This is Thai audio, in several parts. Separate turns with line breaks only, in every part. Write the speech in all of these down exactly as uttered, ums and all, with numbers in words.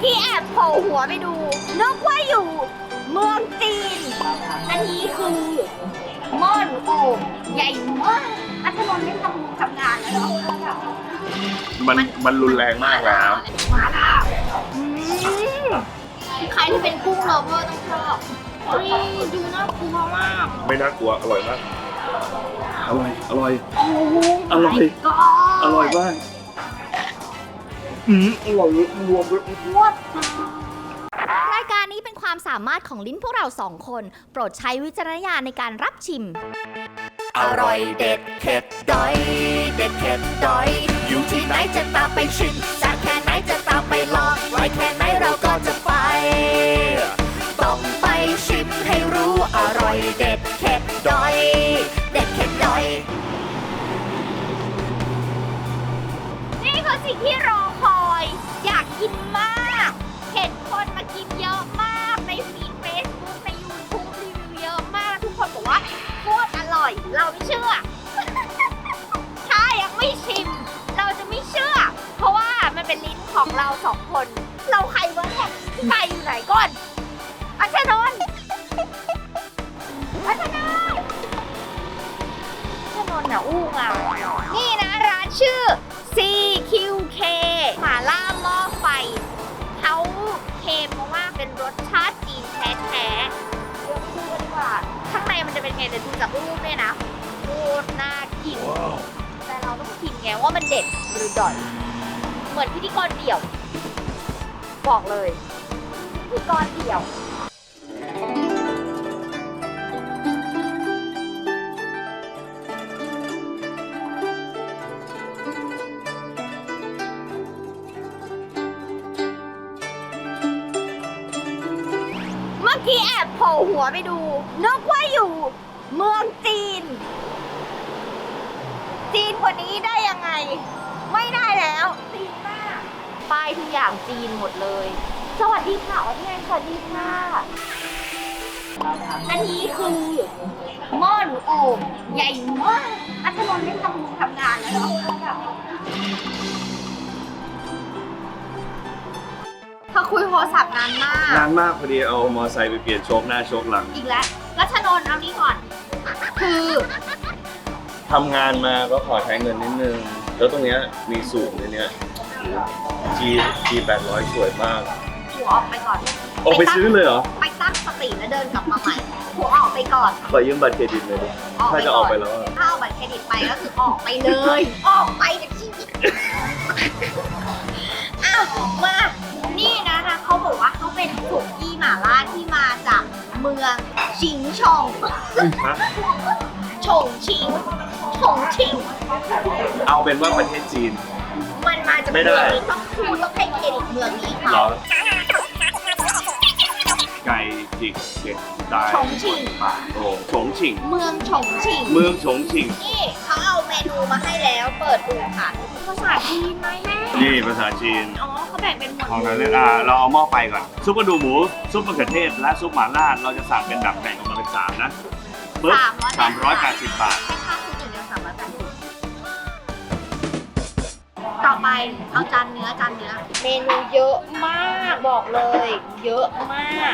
กี้แอบโผล่หัวไปดูนึกว่าอยู่เมืองจีนอันนี้คือหม้อหนูโอ่งใหญ่มากอัธนนท์ไม่ทำทำงานแล้วเหรอ
มันมันรุนแรงมากแล้ว
มาแล้วอืมใครที่เป็นกุ้งโลเวอร์ต้องชอบเฮ้ยดูน่ากลัวมาก
ไม่น่ากลัวอร่อยมากอร่อยอร่อย
โอ้โห
อร่อย
ก็
อร่อยมากอืมอร่อยรวมเลย
วด
รายการนี้เป็นความสามารถของลิ้นพวกเราสองคน โปรดใช้วิจารณญาณในการรับชิม
อร่อยเด็ดเผ็ดดอย เด็ดเผ็ดดอย อยู่ที่ไหนจะตามไปชิมจากแค่ไหนจะตามไปลองไว้แค่ไหนเราก็จะไป ต้องไปชิมให้รู้อร่อยเด็ดเผ็ดดอย เด็ดเผ็ดดอย
นี่คือสิ่งที่รอคอย อยากกินมาก เห็นคนมากินเยอะมากในฟีดเฟซบุ๊กในยูทูบรีวิวเยอะมาก ทุกคนบอกว่าโคตรอร่อย เราไม่เชื่อ ถ้ายังไม่ชิม เราจะไม่เชื่อ เพราะว่ามันเป็นลิ้นของเราสองคน เราใครเวิร์กเนี่ยใครอยู่ไหนก่อนอัชนนท์อัชนนท์อัชนนท์น่ะอู้งอ่ะนี่นะร้านชื่อ ซี คิว เค หม่าล่าหม้อไฟเขาเคลมมาว่าเป็นรสชาติจีนแท้ๆเดี๋ยวไปดูกันดีกว่าข้างในมันจะเป็นไงเดี๋ยวดูจากรูปเนี่ยนะโคตรน่ากิน แต่เราต้องชิมไงว่ามันเด็ดหรือด่อย เหมือนพิธีกรเดี่ยว บอกเลยพิธีกรเดี่ยว เมื่อกี้แอบโผล่หัวไปดูนึกว่าอยู่เมืองจีน จีนกว่านี้ได้ยังไง ไม่ได้แล้วจีนมากป้ายทุกอย่างจีนหมดเลย สวัสดีค่ะอ๋อที่ไงสวัสดีค่ะอันนี้คือหม้อหนูโอ่งใหญ่มากอัธนนท์ไม่ทำทำงานแล้วเหรอเธอคุยโทรศัพท์นานมาก
นานมากพอดีเอามอไซค์ไปเปลี่ยนโชคหน้าโชคหลัง
อีกแล้วรัชนนท์เอานี้ก่อน คือ
ทำงานมาก็ขอใช้เงินนิดนึง แล้วตรงเนี้ยมีสูตรในเนี้ย G G แปดร้อยสวยมาก
หัวออกไปก่อน
ออกไปซื้อเลยเหรอ
ไปตั้งสติแล้วเดินกลับมาใหม่ หัวออกไปก่อน
ขอยืมบัตรเครดิตเลยดิ
ออกไป
ถ้าจะออกไปแล้วอะ
ถ้าเอาบัตรเครดิตไปก็คือออกไปเลย ออกไปจากชีวิตอ้าวมา นี่นะนะเขาบอกว่าเขาเป็นสุกี้หม่าล่าที่มาจากเมืองชิงชอง
ฮะ
ฉงชิงฉงชิง
เอาเป็นว่าประเทศจีน
มันมาจาก
ไม่
เมื
ได้
องนี้ต้องคูต้องให้เครดิตเมืองนี้
เหร
เขา
อ ไก่จิกเด็ดตาย
ฉงชิง
โอ้ฉงชิง
เมืองฉงชิง
เมืองฉงชิง
นี่เขาเอาเมนูมาให้แล้วเปิดดูค่ะภาษาจีนไหมแม่
นี่ภาษาจีน
อ๋อเขาแบ่งเป็นหมวด
ของนั้นเลยอ่ะเราเอาหม้อไฟก่อน ซุปกระดูกหมู ซุปมะเขือเทศ และซุปหม่าล่า เราจะสั่งเป็นแบบแบ่งออกมาเป็นสามนะปึ๊บสามร้อยแปดสิบบาท
ให้ค่าคืออย่างเดียวสามร้อยแปดสิบต่อไปเอาจานเนื้อจานเนื้อ เมนูเยอะมากบอกเลย เยอะมาก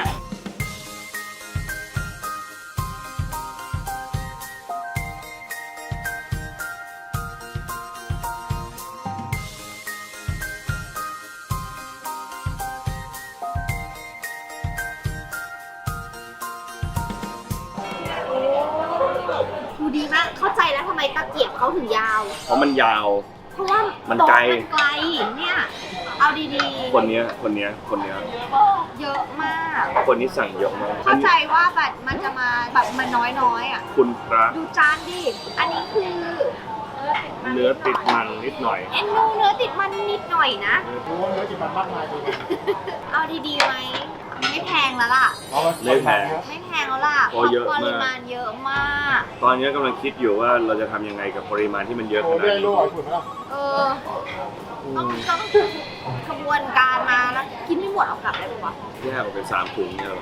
ดูดีมาก เข้าใจแล้วทำไมตะเกียบเขาถึงยาว
เพราะมันยาว
เพราะว่า
มัน
โต๊ะ
ไกล
มันไกลเนี่ย เอาดีๆ
คนเนี้ย คนเนี้ย คนเนี้ย
เยอะมาก
คนนี้สั่งเยอะมาก
เข้าใจว่าแบบมันจะมาแบบมันน้อยๆอ่ะ
คุณพระ
ดูจานดิ อันนี้คือ
เนื้อติดมันนิดหน่อย
เอ็นดูเนื้อติดมันนิดหน่อยนะ
โอ้เนื้อจิตมันมากมายเลย
เอาดีๆไหม ไม่แพงแล้วล่ะ
ไม่แพง
ไม่แพงแล้วล่ะ
โอ้เยอะ
ป
มาก
ริมาณเยอะมาก
ตอนนี้กำลังคิดอยู่ว่าเราจะทำยังไงกับปริมาณที่มันเยอะ
โอ้
ขนาด
เบี้ย
นี้
ลูกอ่อยฝุ่นไหมล่ะ
เออ ต้องต้องขบวนการมาแล้วกินไม่หมดเอากลับได้ปะวะ
แยกออกเป็นสามถุงเนี่ยเหรอ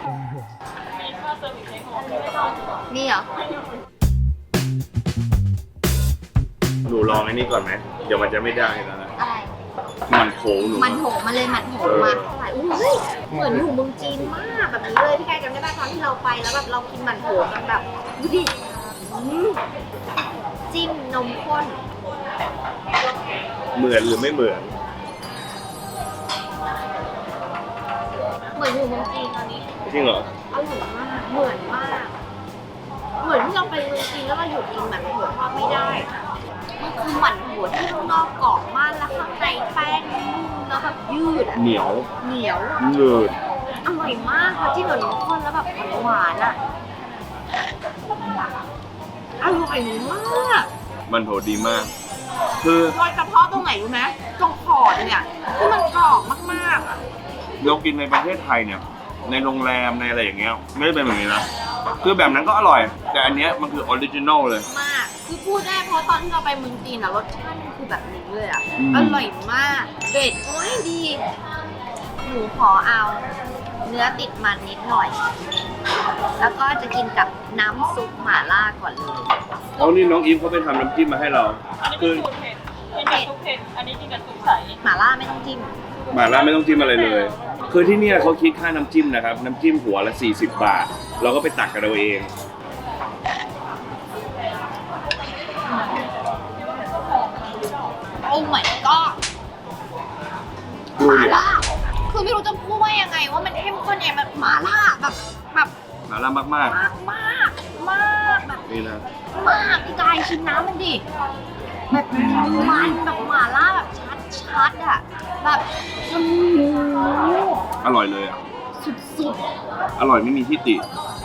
นี่เหรอ
หนูลองไอ้นี่ก่อนไหม เดี๋ยวมันจะไม่ได้แล้วนะ
อะไร
มันโค้งหนู
มันโถมาเลยมันโถมาเท่าไหร่อุ้ยเหมือนอยู่เมืองจีนมากแบบนี้เลยพี่กายจำได้ป่ะตอนที่เราไปแล้วแบบเรากินมันโถกันแบบดูดิอืมจิ้มนมข้น
เหมือนหรือไม่เหมือน
เหมือนอยู่เมืองจีนตอนนี้
จริงเหรอ
อร่อยมากเหมือนมาก เหมือนที่เราไปเมืองจีนแล้วเราหยุดกินหมั่นโถทอดไม่ได้มันคือหมั่นโถที่ข้างนอกกรอบมากแล้วข้างในแป้งนุ่มแล้วแบบยืดอะ
เหนียว
เหนียว
เนืด
อร่อยมากค่ะที่เหมือนนมข้นแล้วแบบหวานๆอ่ะอร่อยมาก
มันโถดีมาก คือ
โดยเฉพาะตรงไหนรู้ไหมตรงขอดเนี่ยที่มันกรอบมากๆอ่ะ
เรากินในประเทศไทยเนี่ย ในโรงแรมในอะไรอย่างเงี้ยไม่ได้เป็นแบบนี้นะคือแบบนั้นก็อร่อย แต่อันเนี้ยมันคือออริจินอลเลย
มากคือพูดได้เพราะตอนที่เราไปเมืองจีนอ่ะรสชาติมันคือแบบนี้เลยอ่ะ
อืม
อร่อยมากเด็ดโอ้ยดีหนูขอเอาเนื้อติดมันนิดหน่อย แล้วก็จะกินกับน้ำซุปหม่าล่าก่อนเลย
เอานี่น้องอีฟเขาไปทำน้ำจิ้มมาให้เรา
อันนี้
คื
เป็
อน
สูตรเผ็ดกินกับซุปเผ็ด อันนี้กินกับซุปใส
หม่าล่าไม่ต้องจิ้ม
หม่าล่าไม่ต้องจิ้มอะไรเลย คือที่เนี่ยเขาคิดค่าน้ำจิ้มนะครับ น้ำจิ้มหัวละสี่สิบบาท เราก็ไปตักกันเราเอง
โอ้ my god
ดู
หม่า
เนี่ย
ล่าคือไม่รู้จะพูดว่ายังไงว่ามันเข้มข้นเนี่ยแบบหม่าล่าแบบแบบ
หม่าล่ามาก
มากมากมากแบบ
ๆ นี่นะ
มากพี่กายชิมน้ำมันดิแบบมันแบบหม่าล่าแบบชัดชัดๆอ่ะแบบโอ้โห
อร่อยเลยอ่ะ
สุด
อร่อยไม่มีที่ติ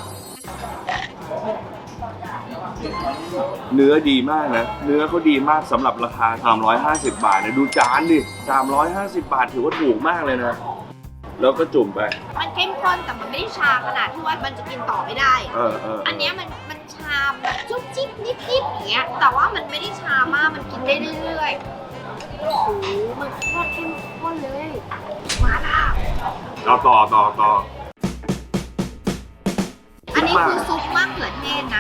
เนื้อดีมากนะ เนื้อเขาดีมากสำหรับราคาสามร้อยห้าสิบบาทเนี่ยดูจานดิสามร้อยห้าสิบบาทถือว่าถูกมากเลยนะ แล้วก็จุ่มไป
ๆมันเข้มข้นแต่มันไม่ได้ชาขนาดที่ว่ามันจะกินต่อไม่ได้
เออเออ
อันเนี้ยมันมันชาแบบจุ๊บจิ๊บนิดๆอย่างเงี้ยแต่ว่ามันไม่ได้ชามากมันกินได้เรื่อยๆโอ้โหมันโคตรเข้มข้นเลยหมาล่า
เอาต่อต่อต่อ
อันนี้คือซุปมะเขือเทศนะ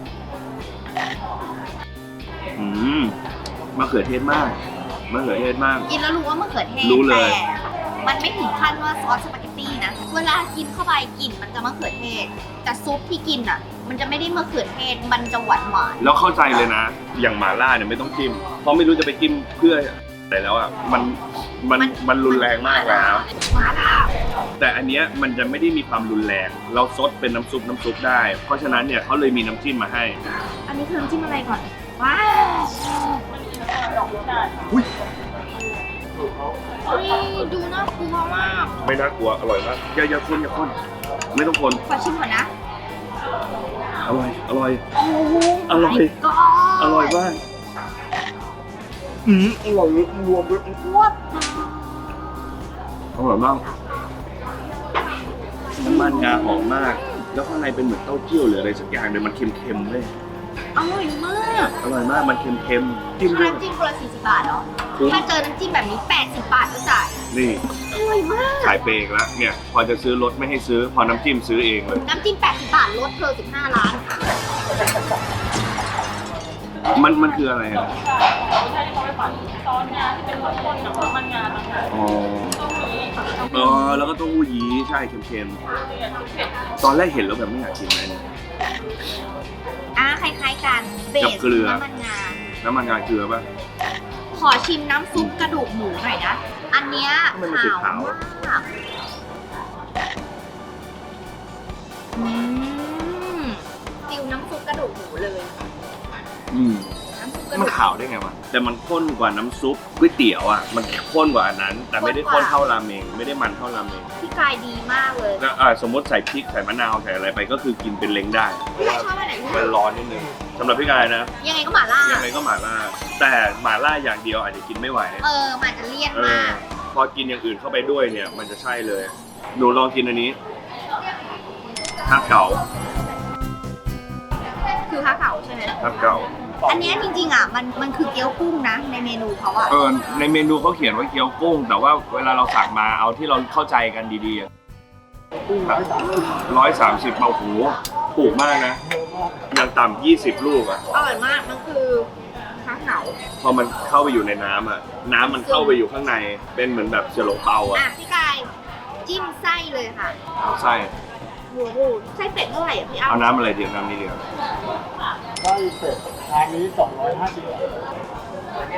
อืมมะเขือเทศมากมะเขือเทศมาก
กินแล้วรู้ว่ามะเขือเทศ
รู้เลย
แต่มันไม่ถึงขั้นว่าซอสสปาเกตตี้นะเวลากินเข้าไปกลิ่นมันจะมะเขือเทศ แต่ซุปที่กินอ่ะ มันจะไม่ได้มะเขือเทศมันจะหวานหวาน
แล้วเข้าใจเลยนะ อย่างหม่าล่าเนี่ยไม่ต้องจิ้ม เพราะไม่รู้จะไปจิ้มเพื่ออะไรแล้วอ่ะ มัน มัน มันรุนแรงมากแล้ว
หมาล่า
แต่อันเนี้ยมันจะไม่ได้มีความรุนแรง เราซดเป็นน้ำซุปน้ำซุปได้ เพราะฉะนั้นเนี่ยเขาเลยมีน้ำจิ้มมาให้
อันนี้คือน้ำจิ้มอะไรก่อนว้าว
ดอกได้
อุ้ย
เฮ้ยดูน่ากลัวมาก
ไม่น่ากลัว อร่อยมากอย่าอย่าคนอย่าคน ไม่ต้องคน
ขอชิมก่อนนะ
อร่อย อร่อย
โอ้โห
อร่อย
ก็
อร่อยมาก อืมอร่อยเลยรวมด้วย
วบ
อร่อยมาก น้ำมันงาหอมมาก แล้วข้างในเป็นเหมือนเต้าเจี้ยวหรืออะไรสักอย่างเลยมันเค็มๆเลย
อร่อยมาก
อร่อยมาก มันเค็มๆจิ้มด้วย
น้ำจิ้มคนละสี่สิบบาทเหรอ
คุ้ม
ถ้าเจอน้ำจิ้มแบบนี้แปดสิบบาทก็จ่าย
นี่
อร่อยมาก
ขายเปรกแล้ว เนี่ย พอจะซื้อรถไม่ให้ซื้อ พอน้ำจิ้มซื้อเองเลย
น้ำจิ้มแปดสิบบาทลดเธอสิบห้าล้าน
มัน มันคืออะไรอ่ะ
ไม่ใช่ที่เขาไปปั่นซอสงาที่เป็นข้นๆกับน้ำมันงาต่างหาก
อ๋อ
ต้องมี
เออแล้วก็เต้าหู้ยี้ใช่เค็ม
นี่ซุปเผ็ด
ๆ ตอนแรกเห็นแล้วแบบไม่อยากกินเลยเนี่ย
อ่ะคล้ายๆกันเบ
กับ
ส
เกลือ
น้ำมันงา
น้ำมันงาเกลือป่ะ
ขอชิมน้ำซุปกระดูกหมูหน่อยนะ อันเนี้ย
ทำไมมันสี
ขาว
ขาว
มากอืมฟิลน้ำซุปกระดูกหมูเลย
อืม
น้ำซุปกระดู
มัน
ก
ขาวได้ไงวะ แต่มันข้นกว่าน้ำซุปก๋วยเตี๋ยวอ่ะ มันข้นกว่าอันนั้น แต่ไม่ได้ข้นเท่าราเมง ไม่ได้มันเท่าราเมง
พี่กายดีมากเลย
แล้วอ่าสมมติใส่พริกใส่มะนาวใส่อะไรไปก็คือกินเป็นเล้งได้
พี่กายชอบอันไหนที่สุ
มัน
ด
ร้อนนิดนึงสำหรับพี่กายนะ
ยังไงก็หม่าล่า
ยังไงก็หม่าล่า แต่หม่าล่าอย่างเดียวอาจจะกินไม่ไหว
เออมันจะเลี่ยน
เอ
มา
อก พอกินอย่างอื่นเข้าไปด้วยเนี่ย มันจะใช่เลย หนูลองกินอันนี้ฮักเก๋า
คือข้าวเก่าใช่ไหม
ฮักเก๋า
อันเนี้ยจริงๆอ่ะมันมันคือเกี๊ยวกุ้งนะ ในเมนูเขาอ่ะ
เออในเมนูเขาเขียนว่าเกี๊ยวกุ้ง แต่ว่าเวลาเราสั่งมาเอาที่เราเข้าใจกันดีๆอะร้อยสามสิบเบาหูถูกมากนะอย่างต่ำยี่สิบลูกอ่ะ
อร่อยมาก มันคือข้าวเหงา
พอมันเข้าไปอยู่ในน้ำอ่ะ น้ำมันเข้าไปอยู่ข้างใน เป็นเหมือนแบบเสี่ยวหลงเปาอ่ะ
อ่ะพี่กายจิ้มไส้เลยค่ะ
เอาไส้
โอ้โหไส้เป็ดเท่าไหร่อ่ะพี่อ้ำ
เอาน้ำอะไรเดียวน้ำนี้เดียว
ได้เป็ดทางนี้สองร้อยห้าสิบบาท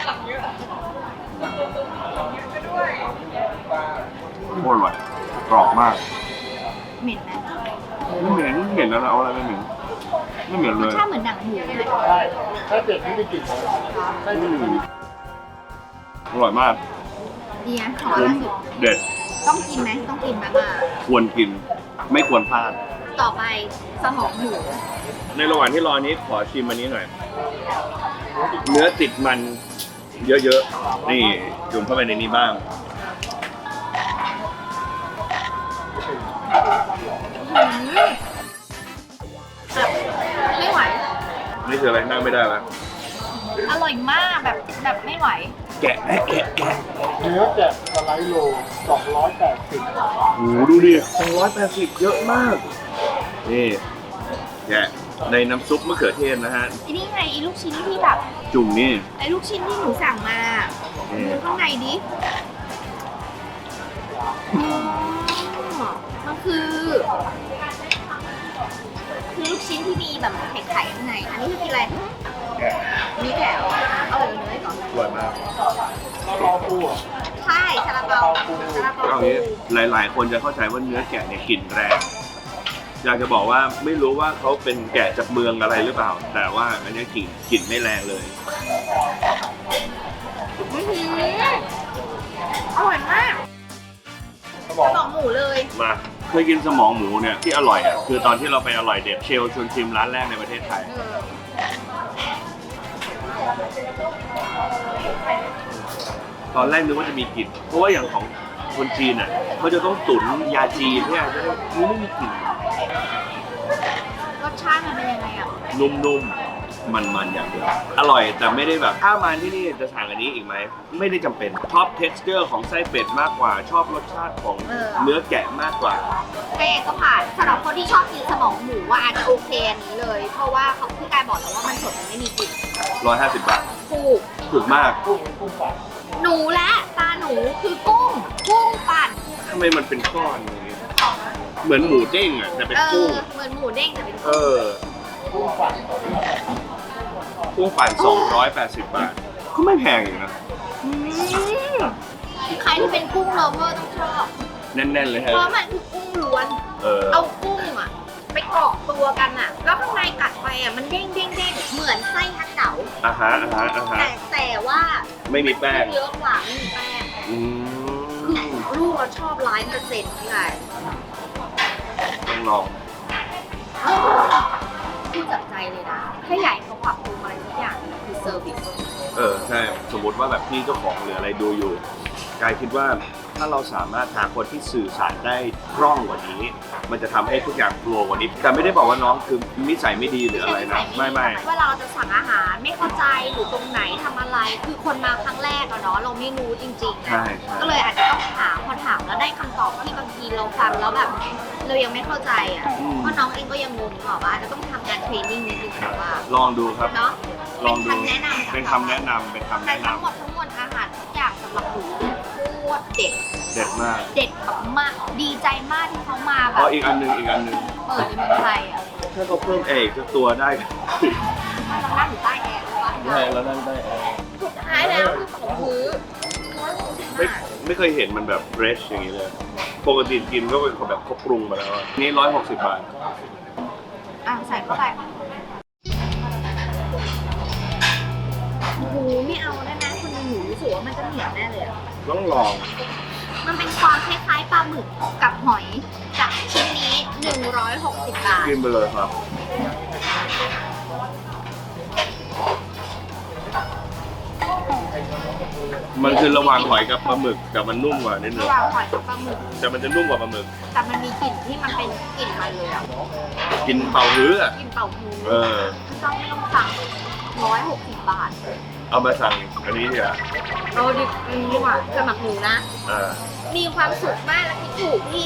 โคตรอร่อยกรอบมาก
เหม็นไหม
ไม่เหม็นไม่เหม็นแล้วนะเอาอะไรไม่เหม็นไม่เหม็นเลย
ชาติเหมือนหนังหมูเลย
ใช่ถ้าเป็ดไม่ได้กลิ่นเลยไส้เป็ดไม่มี
อร่อยมาก
ดีนะขอ
คุ้
ละ
ม
สิบ
เด็ด
ต้องกินไหมต้องกินไหมมา
ควรกิน ไม่ควรพลาด
ต่อไปสมองหมู
ในระหว่างที่รอนี้ขอชิมอันนี้หน่อย เนื้อติดมันเยอะๆ นี่จุ่มเข้าไปในนี้บ้าง
แบบไม่ไหว
นี่คืออะไรนั่งไม่ได้แล้ว
อร่อยมากแบบแบบไม่ไหว
แกะแกะแกะแกะ
เนื้อแกะสไลด์โลสองร้อยแปดสิบ
โอ้โหดูดิสองร้อยแปดสิบเยอะมาก นี่แกะในน้ำซุปมะเขือเทศนะฮะ
ไอ้นี่ไงไอ้ลูกชิ้นที่แบบ
จุ่มนี่
ไอ้ลูกชิ้นที่หนูสั่งมา
นี่
ดูข้างในดิอืมมันคือ คือลูกชิ้นที่มีแบบไข่ไข่ข้างใน อันนี้คือกินอะไร
แกะ
อันนี้แกะเหรอเอาเลยเนื้อก่อน
อร่อยมาก
แล้วรอปูอ่ะ
ใช่ซาลาเปาซาลาเปา
เอา
ปู
งี้หลาย ๆ คนจะเข้าใจว่าเนื้อแกะเนี่ยกลิ่นแรง อยากจะบอกว่าไม่รู้ว่าเขาเป็นแกะจากเมืองอะไรหรือเปล่า แต่ว่าอันนี้กลิ่นกลิ่นไม่แรงเลย
อื้อหืออร่อยมาก
สมอง
สมองหมูเลย
มาเคยกินสมองหมูเนี่ยที่อร่อยอ่ะคือตอนที่เราไปอร่อยเด็ดเชลชวนชิมร้านแรกในประเทศไทย
เออ
ตอนแรกนึกว่าจะมีกลิ่นเพราะว่าอย่างของคนจีนอ่ะเขาจะต้องตุ๋นยาจีนเนี่ยจะได้นี่ไม่มีกลิ่น
รสชาติมันเป็นยังไงอ่ะ
นุ่มๆ มันๆ อย่างเดียว อร่อยแต่ไม่ได้แบบถ้ามาที่นี่จะสั่งอันนี้อีกไหม ไม่ได้จำเป็น ชอบ texture ของไส้เป็ดมากกว่า ชอบรสชาติของ
เออ
เนื้อแกะมากกว่า
แกก็ผ่านสำหรับคนที่ชอบกินสมองหมูว่าอาจจะโอเคอันนี้เลย เพราะว่าเขาพี่กายบอกแล้วว่ามันสดมันไม่มีกลิ่น
หนึ่งร้อยห้าสิบบาท
ถูก
ถูกมาก
กุ้งกุ้งปั่น
หนูและตาหนูคือกุ้ง กุ้งปั่น
ทำไมมันเป็นก้อนอย่างนี้เหมือนหมูเด้งอ่ะแต่เป็น
เอ
กุ้
อง เหมือนหมูเด้งแต่เป็น
เอ
กุ้ง
อ
กุ้งปั่น
กุ้งปั่นสองร้อยแปดสิบบาท ก็ไม่แพงอยู่นะ
อืมใครที่เป็นกุ้งโลเวอร์ต้องชอบ
แน่นๆ เลย
เพ
ฮะ
ราะมันคือกุ้งล้วน
เออ
เอากุ้งอะไปเกาะตัวกันอะแล้วข้างในกัดไปอะมันเด้งเด้งเด้งเหมือนไส้ฮักเก๋า
อ่าฮะอ่าฮะอ่าฮะ
แต่แต่ว่า
ไม่มีแป้ง
เยอะกว่าไม่มีแป้ง
อื
คือ
ม
ลูกเราชอบร้อยเปอร์เซ็นต์พี่ไง
ต้องลอง
พูดจากใจเลยนะ ถ้าใหญ่เขาปรับปรุงอะไรทุกอย่างคือเซอร์วิส
เออใช่สมมติว่าแบบพี่เจ้าของหรืออะไรดูอยู่กายคิดว่าถ้าเราสามารถหาคนที่สื่อสารได้คล่องกว่านี้ มันจะทำให้ทุกอย่างโฟลว์กว่านี้แต่ไม่ได้บอกว่าน้องคือนิสัยไม่ดีหรืออะไรนะไม่ไม่
เวลาเราจะสั่งอาหารไม่เข้าใจหรือตรงไหนทำอะไร คือคนมาครั้งแรกอะเนาะเราไม่รู้จริงๆ
ใช่ใช่
ก็เลยอาจจะต้องถามพอถามแล้วได้คำตอบที่บางทีเราฟังแล้วแบบเรายังไม่เข้าใจอ่ะเพราะน้องเองก็ยังงงหรอกว่าอาจจะต้องทำการเทรนนิ่งนิดนึงแบบว่า
ลองดูครับ
เนาะ
ลองดู
เป็นคำแนะนำจาก
เป็นคำแนะนำเป็นคำ
แต่
แนะน
ทั้งหมดทั้งมวลอาหารทุกอย่างสำหรับหนูโคตรเด็ด
ำเด็ดมาก
เด็ดแบบมากดีใจมากที่เขามาแบ
เพ
บ
ราะอีกอันหนึงอีกอันหนึง
เปิดในเมืองไทยอ่ะ
ถ้าเขาเพิ่มเอกสักตัวได้
เรานั่งอยู่ใต้แอร์เลยวะ
ได้แล้วนั่นได้แอร์
สุดท้ายแล้วคือของพื้น
ไม่ไม่เคยเห็นมันแบบเฟรชอย่างนี้เลยปกติกินก็เป็นแบบเขาปรุงมาแล้วอะนี่ร้อยหกสิบบาท
อ่ะใส่เข้าไปโอ้โหไม่เอาได้ไหมคนหนูรู้สึกว่ามันจะเหนียวแน่เลยอะ
ต้องลอง
มันเป็นความคล้ายๆปลาหมึกกับหอยจากชิ้นนี้หนึ่งร้อยหกสิบบาท
กินไปเลยครับ มันคือระหว่างหอยกับปลาหมึกแต่มันนุ่มกว่านิดนึ
ระ
ง
หว่างหอยกับปลาหมึก
แต่มันจะนุ่มกว่าปลาหมึก
แต่มันมีกลิ่นที่มันเป็นกลิ่นมันเลยอ่ะ
กินเป่าฮื้ออะ
กลิ่นเป่าฮู
เออ
ต้องไม่ต้องสั่งร้อยหกสิบบาท
เอามาสั่งอันนี้ดีกว่า
เราดิบดีกว่าสำหรับหนูนะ
อ่า
มีความสุขมากและคิดถูกที่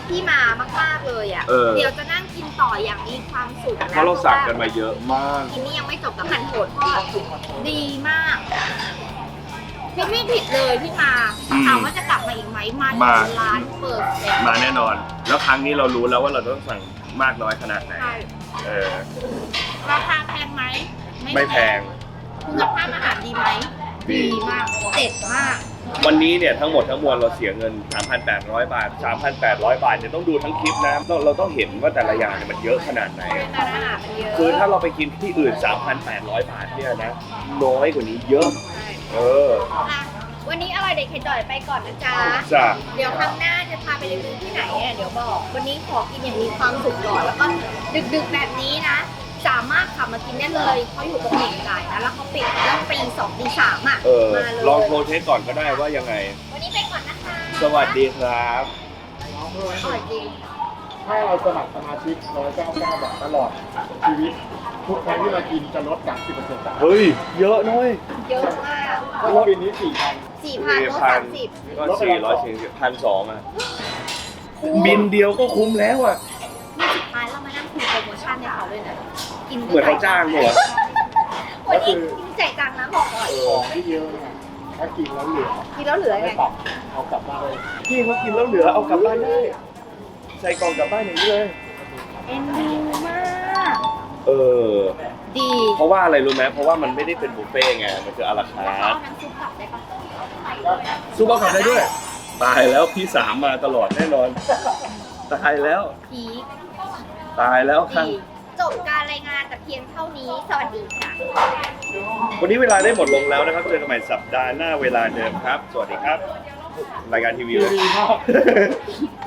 ที่มามากๆเลยอ่ะ
เออ
เดี๋ยวจะนั่งกินต่ออย่างมีความสุขนะ
เพราะเราสั่งกันมาเยอะมาก
กินนี้ยังไม่จบกับมันโหดที่ดีมากพี่ไม่ผิดเลยที่มา
อืม
ถามว่าจะกลับมาอีกไหมมา
มา
ถึงร้านเปิดเซ็ต
มาแน่นอน แล้วครั้งนี้เรารู้แล้วว่าเราต้องสั่งมากน้อยขนาดไหน
ใช่
เออ
ราคาแพงไหม
ไม่แพง
คุณภาพอาหารดีไหม
ดี
ดีมากเด็ดมาก
วันนี้เนี่ยทั้งหมดทั้งมวลเราเสียเงิน สามพันแปดร้อย บาท สามพันแปดร้อย บาทเนี่ยต้องดูทั้งคลิปนะเราเราต้องเห็นว่าแต่ละอย่างเนี่ยมันเยอะขนาดไหน
เป็นร้านอาหารมันเยอะ
คือถ้าเราไปกินที่อื่น สามพันแปดร้อย บาทเนี่ยนะ น้อยกว่านี้เยอะ
ใช่
เออ
อ่ะวันนี้อร่อยเด็ดเข็ดดอยไปก่อนนะจ๊ะ
จ้ะ
เดี๋ยวครั้งหน้าจะพาไปรีวิวที่ไหนเนี่ยเดี๋ยวบอก วันนี้ขอกินอย่างมีความสุขก่อนแล้วก็ดึกๆแบบนี้นะ สามารถขับมากินได้เลยเขาอยู่ตรงเหม่งจ่ายนะแล้วเขาปิดเรื่องปีสองตีสามอ่ะ
เออ
มาเลย
ลองโทรเช็คก่อนก็ได้ว่ายังไง
วันนี้ไปก่อนนะคะ
สวัสดีครับ
น้องเพื่อน
อร่อยจริง
ถ้าเราสมัครสมาชิกหนึ่งร้อยเก้าสิบเก้าบาทตลอดชีวิต ทุกครั้งที่เรากินจะลดจาก สิบเปอร์เซ็นต์
เฮ้ย เยอะน้อย
เยอะมาก
แล้วปีนี้สี่พัน
สี่พันลดสามสิบ
ก็สี่ร้อยสี่สิบพันสองอ่ะ บินเดียวก็คุ้มแล้วอ่ะ
นี่สุดท้ายเรามานั่งคุยโปรโมชั่นให้เขาด้วยนะกิน
เหมือนเขาจ้างด้วยเหรอ
วันนี้กินจ่ายตังค์นะบอกก่อน
ของที่เยอะเนี่ยถ้ากินแล้วเหลือ
กินแล้วเหลือไง
ไม่ปรับเอากลับบ้านเลย
พี่เขากินแล้วเหลือเอากลับบ้านได้ ใส่กล่องกลับบ้านอย่างนี้เลย
เอ็นดูมาก
เออ
ดี
เพราะว่าอะไรรู้ไหมเพราะว่ามันไม่ได้เป็นบุฟเฟ่ต์ไง มันคืออาราคา
แล้วเขา
ร์ท
เอาน้ำซุปกลับได้ปะ
ซูเปอร์ขับได้ด้วย ตายแล้วพี่สามมาตลอดแน่นอน ตายแล้ว
พีค
ตายแล้วครับ
ดีจบการรายงานแต่เพียงเท่านี้ สวัสดีค่ะ
วันนี้เวลาได้หมดลงแล้วนะครับ เจอกันใหม่สัปดาห์หน้าเวลาเดิมครับ สวัสดีครับ รายการทีวีเลย
ดีมาก